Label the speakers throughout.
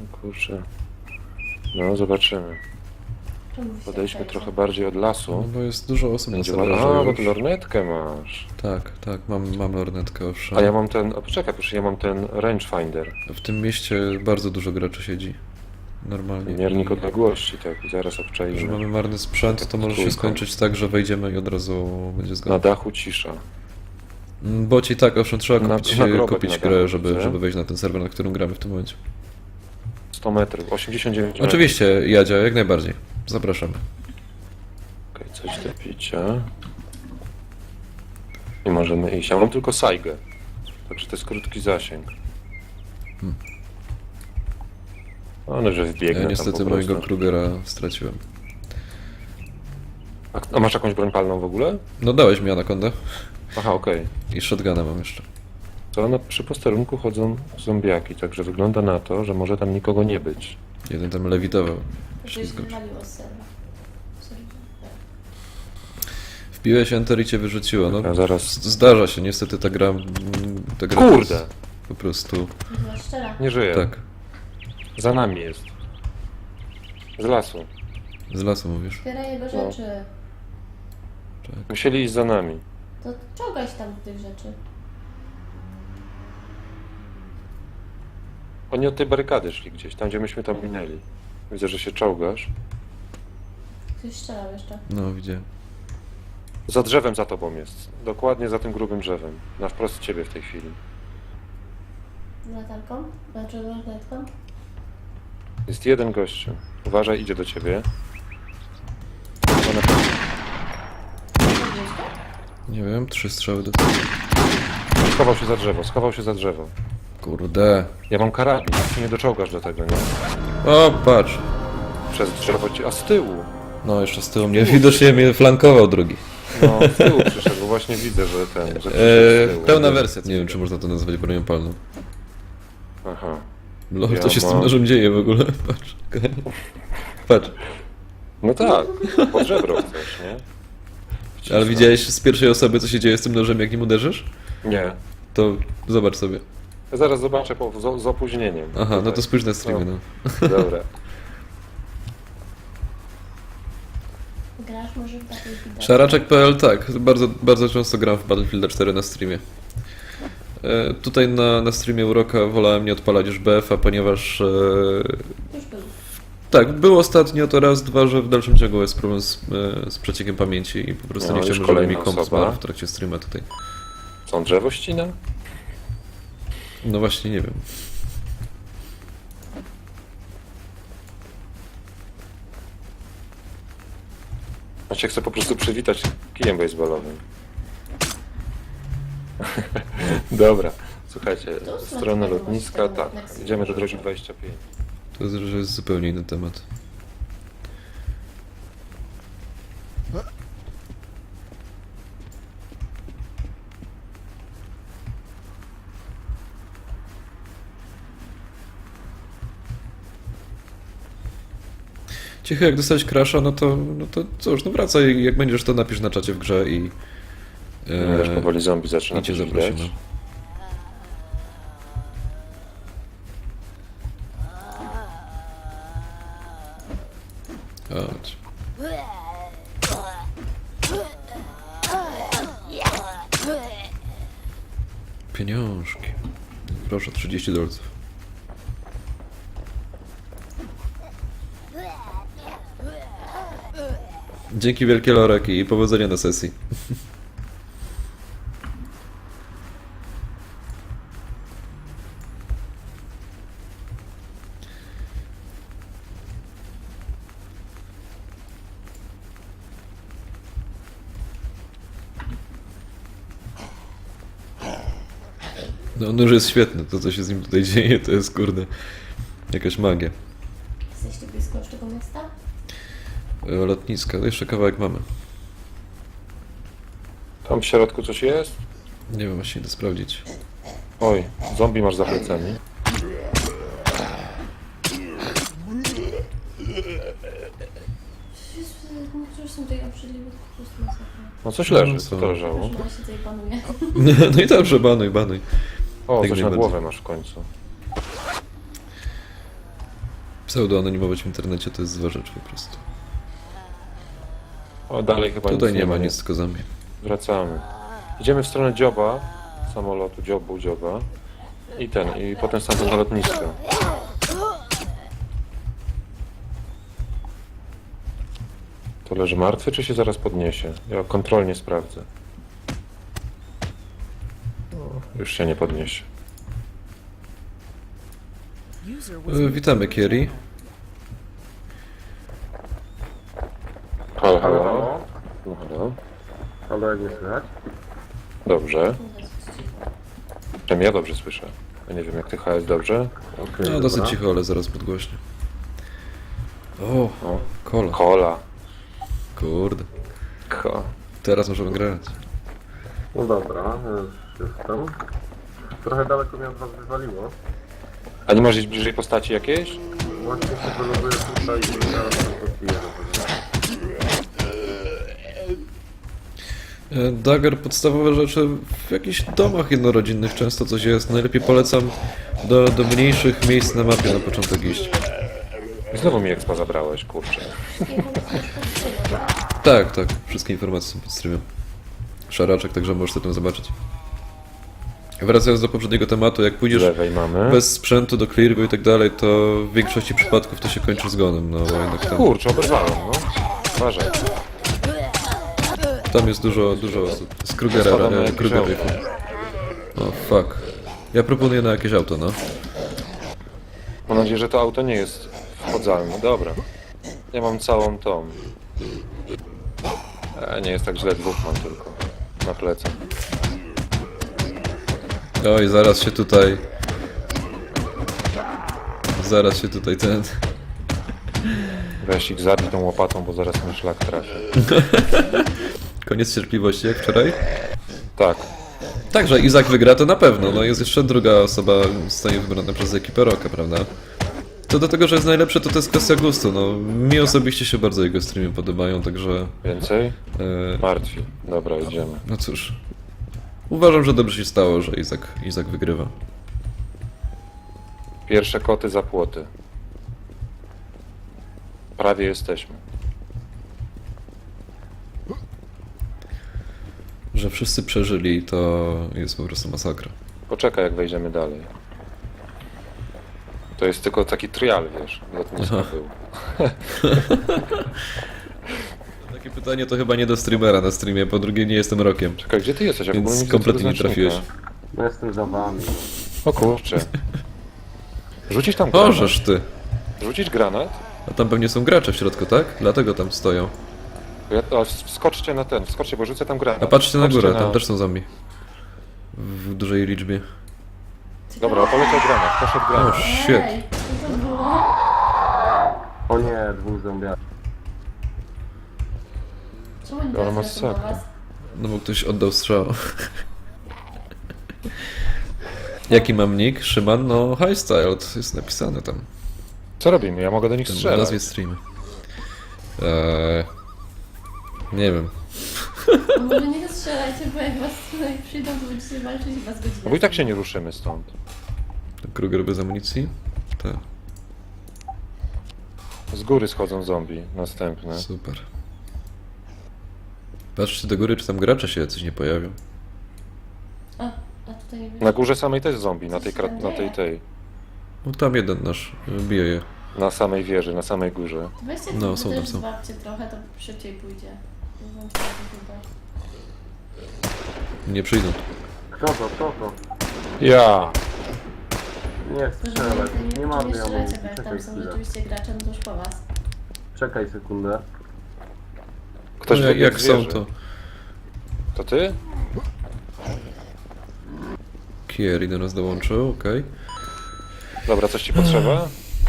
Speaker 1: Kurczę. No, zobaczymy. Podejdźmy trochę bardziej od lasu.
Speaker 2: No bo jest dużo osób na
Speaker 1: Będzie
Speaker 2: serwerze
Speaker 1: ładnie. A, bo
Speaker 2: już.
Speaker 1: ty lornetkę masz.
Speaker 2: Tak, tak, mam lornetkę, owszem.
Speaker 1: A ja mam ten... A poczekaj, proszę, ja mam ten rangefinder.
Speaker 2: W tym mieście bardzo dużo graczy siedzi. Normalnie.
Speaker 1: Miernik odległości, tak. I zaraz
Speaker 2: Że
Speaker 1: obczajmy.
Speaker 2: mamy marny sprzęt, to może się
Speaker 1: Trójką.
Speaker 2: skończyć tak, że wejdziemy i od razu będzie
Speaker 1: Na
Speaker 2: zgoda.
Speaker 1: dachu cisza.
Speaker 2: Bo ci tak, owszem, trzeba
Speaker 1: Na
Speaker 2: kupić,
Speaker 1: grobek
Speaker 2: kupić
Speaker 1: na
Speaker 2: grę,
Speaker 1: dachu,
Speaker 2: żeby
Speaker 1: co?
Speaker 2: wejść na ten serwer, na którym gramy w tym momencie.
Speaker 1: 100 metrów, 89 metrów.
Speaker 2: Oczywiście, Jadzia, jak najbardziej. Zapraszamy.
Speaker 1: Okej, coś do picia. I możemy iść. Ja mam tylko Saigę. Także to jest krótki zasięg. No, że wbiegnę
Speaker 2: Ja
Speaker 1: tam
Speaker 2: niestety
Speaker 1: po
Speaker 2: mojego
Speaker 1: prostu.
Speaker 2: Krugera straciłem.
Speaker 1: A masz jakąś broń palną w ogóle?
Speaker 2: No dałeś mi anakondę
Speaker 1: Aha, okej.
Speaker 2: i shotguna mam jeszcze.
Speaker 1: To przy posterunku chodzą zombiaki, także wygląda na to, że może tam nikogo nie być.
Speaker 2: Jeden tam lewitował.
Speaker 3: Coś
Speaker 2: Ślizgacz.
Speaker 3: wywaliło z serwa.
Speaker 2: Wbiłeś enter i cię wyrzuciło, no.
Speaker 1: A zaraz...
Speaker 2: Zdarza się, niestety ta gra...
Speaker 1: Kurde!
Speaker 2: jest po prostu...
Speaker 3: Była szczera.
Speaker 1: Nie żyje.
Speaker 2: Tak,
Speaker 1: Za nami jest. Z lasu.
Speaker 2: z lasu mówisz.
Speaker 3: Zbieraj jego
Speaker 1: No.
Speaker 3: rzeczy.
Speaker 2: Tak.
Speaker 1: Musieli iść za nami.
Speaker 3: To czołgaj się tam do tych rzeczy.
Speaker 1: Oni od tej barykady szli gdzieś, tam gdzie myśmy tam minęli. Widzę, że się czołgasz.
Speaker 3: Ktoś strzelał jeszcze.
Speaker 2: No, widziałem.
Speaker 1: Za drzewem za tobą jest. Dokładnie za tym grubym drzewem. Na wprost ciebie w tej chwili.
Speaker 3: Latarką? Znaczy lornetką?
Speaker 1: Jest jeden gościu. Uważaj, idzie do ciebie. Ona...
Speaker 2: Nie wiem, 3 strzały do tyłu.
Speaker 1: Schował się za drzewo, schował się za drzewo.
Speaker 2: Kurde.
Speaker 1: Ja mam karabin, ty nie doczołgasz do tego, nie?
Speaker 2: O, patrz.
Speaker 1: Przez drzewo cię... A z tyłu!
Speaker 2: No, jeszcze z tyłu mnie, widocznie mnie flankował drugi.
Speaker 1: No, z tyłu przyszedł, bo właśnie widzę, że ten... Że przyszedł z tyłu.
Speaker 2: Pełna wersja. Nie wiem, czy można to nazwać bronią palną.
Speaker 1: Aha.
Speaker 2: Lol,
Speaker 1: Ja
Speaker 2: co się z tym
Speaker 1: mam-
Speaker 2: nożem dzieje w ogóle? Patrz. Patrz.
Speaker 1: No tak, pod żebro chcesz, nie? Wcisnął.
Speaker 2: Ale widziałeś z pierwszej osoby, co się dzieje z tym nożem, jak nim uderzysz?
Speaker 1: Nie.
Speaker 2: To zobacz sobie.
Speaker 1: Ja zaraz zobaczę z opóźnieniem.
Speaker 2: Aha, no
Speaker 1: Tutaj.
Speaker 2: to spójrz na streamie, no.
Speaker 1: Dobra.
Speaker 3: Grasz może w takiej widok.
Speaker 2: Szaraczek.pl, tak. Bardzo, bardzo często gram w Battlefield 4 na streamie. Tutaj na streamie Uroka wolałem nie odpalać już BF-a, ponieważ...
Speaker 3: Już był.
Speaker 2: tak, było ostatnio to raz, dwa, że w dalszym ciągu jest problem z przeciekiem pamięci i po prostu
Speaker 1: No,
Speaker 2: nie
Speaker 1: już
Speaker 2: chciałbym, żeby
Speaker 1: kolejna
Speaker 2: mi komp
Speaker 1: osoba.
Speaker 2: zmarł w trakcie streama tutaj.
Speaker 1: Co, on drzewo ścina?
Speaker 2: No właśnie, nie wiem.
Speaker 1: On się chce po prostu przywitać kijem baseballowym. Dobra, słuchajcie,
Speaker 3: To
Speaker 1: strona
Speaker 3: smacznego
Speaker 1: lotniska,
Speaker 3: macie
Speaker 1: tak,
Speaker 3: na
Speaker 1: idziemy do drogi 25.
Speaker 2: To jest, że jest zupełnie inny temat. Cicho, jak dostałeś crasha, no to cóż, no wracaj, jak będziesz to napisz na czacie w grze i...
Speaker 1: Też powoli zombie zaczyna
Speaker 2: i cię
Speaker 1: być
Speaker 2: zaprosimy.
Speaker 1: widać.
Speaker 2: Chodź. Pieniążki. Proszę, 30 dolców. Dzięki wielkie, Lorek, i powodzenia na sesji. No, nóż jest świetny, to co się z nim tutaj dzieje, to jest kurde jakaś magia.
Speaker 3: Jesteście blisko już tego miasta?
Speaker 2: Lotniska, to jeszcze kawałek mamy.
Speaker 1: Tam w środku coś jest?
Speaker 2: Nie wiem, właśnie idę sprawdzić.
Speaker 1: Oj, zombie masz za plecami.
Speaker 3: Niektórzy są tutaj obrzydliwi, po prostu masakra.
Speaker 1: No coś leży,
Speaker 2: No,
Speaker 1: co
Speaker 2: co?
Speaker 1: to leżało?
Speaker 3: Już na siedzę i panuje.
Speaker 2: No i dobrze, banuj, banuj.
Speaker 1: O,
Speaker 2: Jak
Speaker 1: coś na
Speaker 2: najbardziej.
Speaker 1: głowę masz w końcu.
Speaker 2: Pseudo-anonimować w internecie to jest zła rzecz po prostu.
Speaker 1: O, dalej chyba
Speaker 2: Tutaj
Speaker 1: nic
Speaker 2: nie ma nic, tylko zombie.
Speaker 1: Wracamy. Idziemy w stronę dzioba, samolotu, dzioba. I potem stamtąd na lotnisko. To leży martwy, czy się zaraz podniesie? Ja kontrolnie sprawdzę. O, już się nie podniesie.
Speaker 2: Witamy, Kieri.
Speaker 1: Halo,
Speaker 4: Halo,
Speaker 1: halo.
Speaker 4: halo.
Speaker 1: No, halo.
Speaker 4: Halo, jak mnie słychać?
Speaker 1: Dobrze. Przynajmniej ja dobrze słyszę. Ja nie wiem, jak ty HS dobrze?
Speaker 4: Okej,
Speaker 2: No dosyć
Speaker 4: dobra.
Speaker 2: cicho, ale zaraz podgłośnie. O,
Speaker 1: O,
Speaker 2: kola.
Speaker 1: kola.
Speaker 2: Kurde.
Speaker 1: Ko.
Speaker 2: Teraz możemy grać.
Speaker 4: No dobra, już jestem. Trochę daleko mnie od was wywaliło.
Speaker 1: A nie masz iść bliżej postaci jakiejś?
Speaker 4: Właśnie się wyląduję tutaj i zaraz tam podbiję.
Speaker 2: Dagger, podstawowe rzeczy w jakichś domach jednorodzinnych często coś jest. Najlepiej polecam do mniejszych miejsc na mapie na początek iść.
Speaker 1: Znowu mi expa zabrałeś, kurczę.
Speaker 2: Tak, tak. Wszystkie informacje są pod streamem. Szaraczek, także możesz sobie tam zobaczyć. Wracając do poprzedniego tematu, jak
Speaker 1: Z
Speaker 2: pójdziesz
Speaker 1: lewej mamy.
Speaker 2: bez sprzętu do cleargo i tak dalej, to w większości przypadków to się kończy zgonem, no bo jednak
Speaker 1: Kurczę, oberwałem, no. Uważaj.
Speaker 2: tam jest dużo osób. Z Krugera,
Speaker 1: Spadamy na jakieś
Speaker 2: Kruger
Speaker 1: auto.
Speaker 2: Rifle. O, fuck. Ja proponuję na jakieś auto, no.
Speaker 1: Mam nadzieję, że to auto nie jest wchodzalne. Dobra. Ja mam całą tą. Nie jest tak źle, dwóch mam tylko. Na plecach.
Speaker 2: Oj, zaraz się tutaj... Zaraz się tutaj ten...
Speaker 1: Weź ich zabij tą łopatą, bo zaraz mi szlak trafi.
Speaker 2: Koniec cierpliwości, jak wczoraj?
Speaker 1: Tak.
Speaker 2: Także Izak wygra to na pewno, no jest jeszcze druga osoba zostanie wybrana przez ekipę Rocka, prawda? Co do tego, że jest najlepszy, to jest kwestia gustu, no. Mi osobiście się bardzo jego streamy podobają, także...
Speaker 1: Więcej?
Speaker 2: E,
Speaker 1: Martwi. Dobra, idziemy.
Speaker 2: no cóż. Uważam, że dobrze się stało, że Izak wygrywa.
Speaker 1: Pierwsze koty za płoty. Prawie jesteśmy.
Speaker 2: Że wszyscy przeżyli, to jest po prostu masakra.
Speaker 1: Poczekaj, jak wejdziemy dalej. To jest tylko taki trial, wiesz. Lotnisko
Speaker 2: Aha.
Speaker 1: był.
Speaker 2: Takie pytanie to chyba nie do streamera na streamie, po drugie nie jestem Rockiem.
Speaker 1: Czekaj, gdzie ty jesteś? Ja w ogóle
Speaker 2: Więc
Speaker 1: nie widzę
Speaker 2: kompletnie
Speaker 1: tego
Speaker 2: nie trafiłeś.
Speaker 1: znacznika.
Speaker 4: No jestem za wami.
Speaker 1: O kurczę. Rzucić tam granat?
Speaker 2: Możesz ty.
Speaker 1: Rzucić granat?
Speaker 2: A tam pewnie są gracze w środku, tak? Dlatego tam stoją.
Speaker 1: Wskoczcie na ten, wskoczcie, bo rzucę tam granat.
Speaker 2: A patrzcie na
Speaker 1: Wskoczcie
Speaker 2: górę, tam też są zombie. W dużej liczbie.
Speaker 1: Dobra, poleciał granat, poszedł
Speaker 2: O,
Speaker 1: granat.
Speaker 2: shit.
Speaker 3: Ej, co to było?
Speaker 4: O nie, dwóch zombiaków.
Speaker 3: Czemu nie
Speaker 1: Ale
Speaker 3: teraz
Speaker 1: masakra.
Speaker 3: do was?
Speaker 2: No bo ktoś oddał strzał. Jaki mam nick? Szyman? No, High Style, to jest napisane tam.
Speaker 1: Co robimy? Ja mogę do nich
Speaker 2: W
Speaker 1: strzelać.
Speaker 2: nazwie streamy. Nie wiem.
Speaker 3: No może nie strzelajcie, bo jak was tutaj przyjdą, to będziecie walczyć i was godzinę.
Speaker 1: No bo i tak się nie ruszymy stąd.
Speaker 2: Kruger bez amunicji? Tak,
Speaker 1: Z góry schodzą zombie, następne.
Speaker 2: super. Patrzcie do góry, czy tam gracze się jacyś nie pojawią.
Speaker 3: A tutaj nie
Speaker 1: Na górze samej też zombie, na tej, na tej.
Speaker 2: No tam jeden nasz, bije je.
Speaker 1: Na samej wieży, na samej górze.
Speaker 3: To weźcie
Speaker 2: No,
Speaker 3: no,
Speaker 2: są tam,
Speaker 3: też
Speaker 2: są.
Speaker 3: złapcie trochę, to szybciej pójdzie. Nie wiem, co to chyba.
Speaker 2: Nie przyjdą.
Speaker 4: Kto to, kto to?
Speaker 1: Ja!
Speaker 4: Nie strzelaj, nie mam
Speaker 3: Nie strzelajcie,
Speaker 4: amunicji,
Speaker 3: bo jak
Speaker 4: czekaj
Speaker 3: tam są
Speaker 4: chwilę.
Speaker 3: rzeczywiście gracze, no to już po was.
Speaker 4: Czekaj sekundę.
Speaker 1: Ktoś
Speaker 2: No,
Speaker 1: wybiegł
Speaker 2: jak
Speaker 1: z
Speaker 2: są
Speaker 1: wieży.
Speaker 2: to...
Speaker 1: To ty?
Speaker 2: Kieri do nas dołączył, okej.
Speaker 1: Dobra, coś ci potrzeba?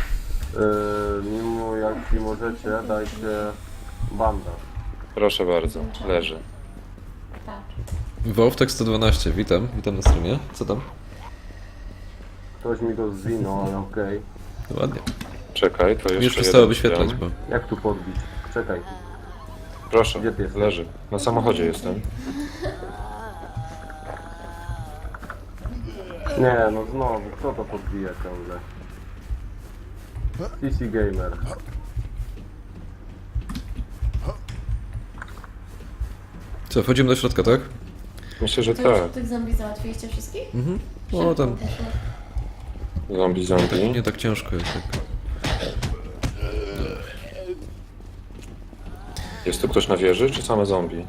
Speaker 4: Mimo jak możecie, dajcie bandaż.
Speaker 1: Proszę bardzo, leży.
Speaker 3: Patrz.
Speaker 2: Wolftek 112, witam na streamie. Co tam?
Speaker 4: Ktoś mi to zwinął, ale okej.
Speaker 2: No ładnie.
Speaker 1: Czekaj, to jeszcze
Speaker 2: Już przestało
Speaker 1: jeden
Speaker 2: wyświetlać,
Speaker 1: dam.
Speaker 2: bo...
Speaker 4: Jak tu podbić? Czekaj.
Speaker 1: Proszę,
Speaker 4: Gdzie ty jesteś?
Speaker 1: leży. Na samochodzie jestem.
Speaker 4: Nie, no znowu, kto to podbija ciągle? CC Gamer.
Speaker 2: Co, wchodzimy do środka, tak?
Speaker 1: Myślę, że
Speaker 3: To już
Speaker 1: tak.
Speaker 3: tych zombie załatwiliście wszystkich?
Speaker 2: Mhm. O, tam
Speaker 1: Zombie.
Speaker 2: nie tak ciężko jest. Tak.
Speaker 1: Jest tu ktoś na wieży, czy same zombie?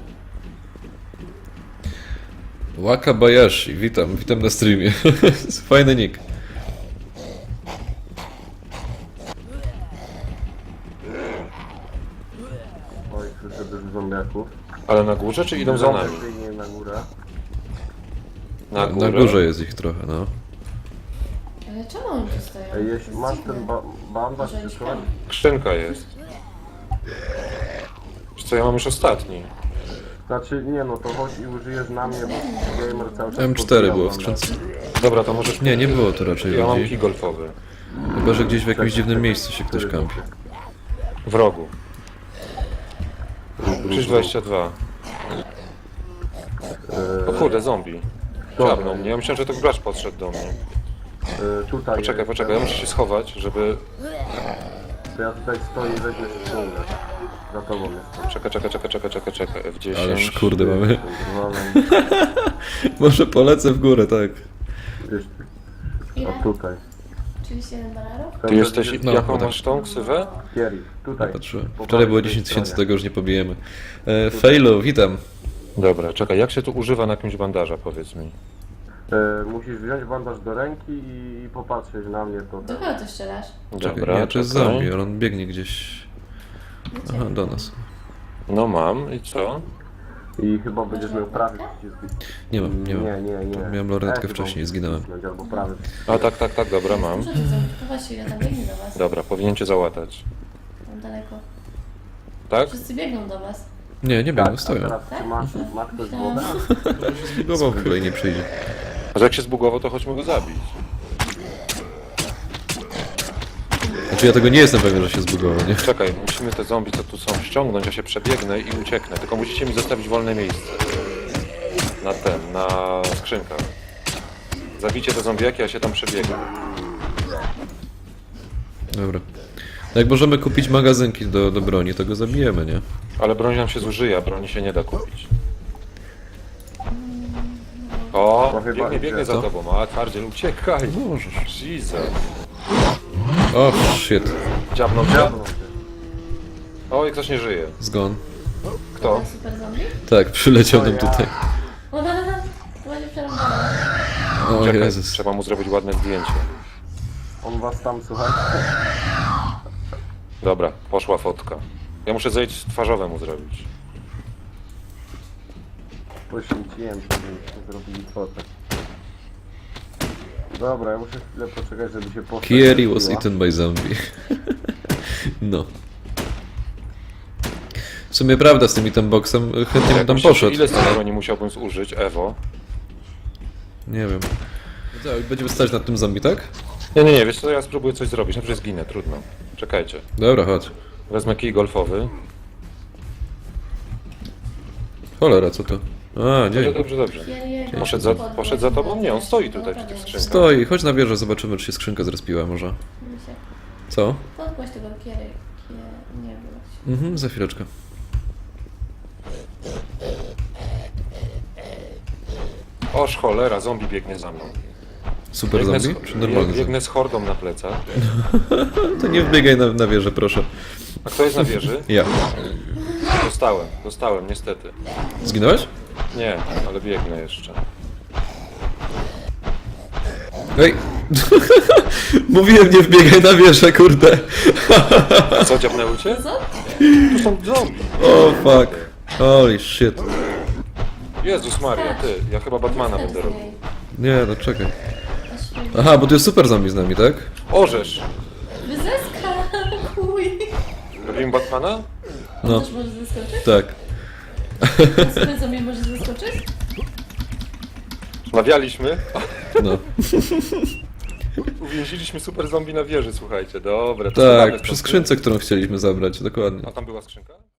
Speaker 2: Wakabayashi, witam na streamie. Fajny nick.
Speaker 4: Oj, słyszę dużo zombiaków.
Speaker 1: Ale na górze, czy idą za nami?
Speaker 4: Biegnie na górę.
Speaker 1: Na
Speaker 2: Na górze jest ich trochę, no.
Speaker 3: Ale czemu oni tu stoją?
Speaker 4: Ej,
Speaker 3: To
Speaker 4: jeśli
Speaker 3: jest
Speaker 4: masz
Speaker 3: dziwne.
Speaker 4: ten bandaż
Speaker 3: Może
Speaker 4: czy
Speaker 3: iść
Speaker 4: coś,
Speaker 3: tam.
Speaker 1: Skrzynka jest. Wiesz co, ja mam już ostatni.
Speaker 4: znaczy nie no, to chodź i użyjesz na mnie, bo gamer cały czas
Speaker 2: M4
Speaker 4: podbijał
Speaker 2: było w
Speaker 4: bandaż.
Speaker 2: skrzynce.
Speaker 1: Dobra, to możesz...
Speaker 2: Nie było tu raczej
Speaker 1: Ja mam
Speaker 2: ludzi.
Speaker 1: kij golfowy.
Speaker 2: Chyba, że gdzieś w jakimś dziwnym miejscu się ktoś kampi.
Speaker 1: W rogu. Krzyż 22. O kurde, zombie. Kradną mnie. Ja myślałem, że to gracz podszedł do mnie.
Speaker 4: Tutaj
Speaker 1: Poczekaj, ja muszę się schować, żeby...
Speaker 4: To ja tutaj stoję i weźmiesz ściągnę. Za tobą jestem.
Speaker 1: Czekaj. F10.
Speaker 2: Ależ kurde mamy.
Speaker 4: Zwalem.
Speaker 2: Może polecę w górę, tak.
Speaker 4: Gdzieś
Speaker 3: Ile?
Speaker 4: o tutaj.
Speaker 3: 37 dolarów?
Speaker 1: Ty jesteś...
Speaker 2: No,
Speaker 1: jaką
Speaker 2: tak.
Speaker 1: masz tą ksywę?
Speaker 4: Kieri, tutaj.
Speaker 2: Patrzyłem.
Speaker 4: Po
Speaker 2: Wczoraj było
Speaker 4: prawej
Speaker 2: 10 tysięcy,
Speaker 4: stronie.
Speaker 2: tego już nie pobijemy. Failu, witam.
Speaker 1: Dobra, czekaj, jak się tu używa na jakimś bandaża, powiedz mi?
Speaker 4: Musisz wziąć bandaż do ręki i popatrzeć na mnie to.
Speaker 3: Do kogo ty strzelasz?
Speaker 2: Czekaj,
Speaker 1: Dobra,
Speaker 2: nie, to jest
Speaker 1: czekaj.
Speaker 2: zombie, ale on biegnie gdzieś.
Speaker 3: Gdzie?
Speaker 2: Aha, do nas.
Speaker 1: No mam, i co?
Speaker 4: I chyba będziesz miał prawy przycisk.
Speaker 2: Nie mam.
Speaker 4: Nie.
Speaker 2: Miałem lornetkę
Speaker 4: chyba
Speaker 2: wcześniej,
Speaker 4: musisz
Speaker 2: zginąłem.
Speaker 4: wcisnąć, albo prawy.
Speaker 1: A tak, dobra, mam.
Speaker 3: Dużo tych zombie, chowa się, ile tam biegnie do was.
Speaker 1: Dobra, powinien cię załatać.
Speaker 3: Tam daleko.
Speaker 1: Tak?
Speaker 3: Wszyscy biegną do was.
Speaker 2: Nie biegną,
Speaker 4: Tak, a
Speaker 2: stoją.
Speaker 4: teraz
Speaker 3: Tak?
Speaker 4: czy masz ktoś
Speaker 3: Myślałam.
Speaker 4: wodę?
Speaker 2: Zbugował w ogóle i nie przyjdzie.
Speaker 1: A że jak się zbugował, to chodźmy go zabić.
Speaker 2: Znaczy ja tego nie jestem pewien, że się zbugował, nie?
Speaker 1: Czekaj, musimy te zombie, co tu są, ściągnąć, ja się przebiegnę i ucieknę. Tylko musicie mi zostawić wolne miejsce. Na skrzynkach. Zabijcie te zombiaki, ja się tam przebiegnę.
Speaker 2: Dobra. Jak możemy kupić magazynki do broni, to go zabijemy, nie?
Speaker 1: Ale broń nam się zużyje, a broni się nie da kupić. O,
Speaker 4: No chyba
Speaker 1: biegnie
Speaker 4: idzie.
Speaker 1: za tobą, a twardziel, uciekaj.
Speaker 2: Możesz.
Speaker 1: Jesus.
Speaker 2: O, shit.
Speaker 1: Dziabnął cię?
Speaker 4: Diablo.
Speaker 1: Oj, ktoś nie żyje.
Speaker 2: Zgon.
Speaker 1: Kto?
Speaker 3: To super zombie?
Speaker 2: Tak, przyleciał nam tutaj.
Speaker 3: To będzie przerąbane.
Speaker 2: O
Speaker 1: Czekaj,
Speaker 2: Jezus.
Speaker 1: trzeba mu zrobić ładne zdjęcie.
Speaker 4: On was tam, słuchajcie.
Speaker 1: Dobra, poszła fotka. Ja muszę zejść twarzowe mu zrobić.
Speaker 4: Poświęciłem się, żebyście zrobili fotę. Dobra, ja muszę chwilę poczekać, żeby się postać
Speaker 2: Kieri was
Speaker 4: rozbiła.
Speaker 2: eaten by zombie. No. W sumie prawda z tym itemboxem, chętnie bym tam
Speaker 1: Myślę, że
Speaker 2: poszedł.
Speaker 1: ile z tej broni musiałbym zużyć, Ewo?
Speaker 2: Nie wiem. Co, będziemy stać nad tym zombie, tak?
Speaker 1: Nie, wiesz co, ja spróbuję coś zrobić, najpierw zginę, trudno. Czekajcie.
Speaker 2: Dobra, chodź.
Speaker 1: Wezmę kij golfowy.
Speaker 2: Cholera, co to? A, nie.
Speaker 1: Dobrze.
Speaker 3: Kieriego
Speaker 1: Poszedł za tobą? Nie, on stoi tutaj przy tych skrzynkach.
Speaker 2: Stoi, chodź na wieżę, zobaczymy, czy się skrzynka zrespiła może. Co?
Speaker 3: Podgłoś tego kiery. Nie było.
Speaker 2: Mhm, za chwileczkę.
Speaker 1: Oż cholera, zombie biegnie za mną.
Speaker 2: Super zombie? Czy normalny zombie?
Speaker 1: Biegnę z hordą na plecach.
Speaker 2: To nie wbiegaj na wieżę, proszę.
Speaker 1: A kto jest na wieży?
Speaker 2: Ja.
Speaker 1: Dostałem, niestety.
Speaker 2: Zginąłeś?
Speaker 1: Nie, ale biegnę jeszcze.
Speaker 2: Ej! Mówiłem, nie wbiegaj na wieżę, kurde.
Speaker 1: A co, dziabnęły cię?
Speaker 3: Co?
Speaker 1: Tu są zombie.
Speaker 2: O, fuck. Holy shit.
Speaker 1: Jezus Maria, ty, ja chyba Batmana będę robił.
Speaker 2: Nie, no czekaj. Aha, bo tu jest super zombie z nami, tak?
Speaker 1: Orzesz!
Speaker 3: Wyzeskakuj!
Speaker 1: Robimy Batmana?
Speaker 2: No,
Speaker 3: Też możesz zeskoczyć?
Speaker 2: tak.
Speaker 3: Super zombie możesz zeskoczyć?
Speaker 1: Mawialiśmy.
Speaker 2: No.
Speaker 1: Uwięziliśmy super zombie na wieży, słuchajcie. Dobra, to zadamy
Speaker 2: Tak,
Speaker 1: stąd.
Speaker 2: przy skrzynce, którą chcieliśmy zabrać, dokładnie.
Speaker 1: A tam była skrzynka?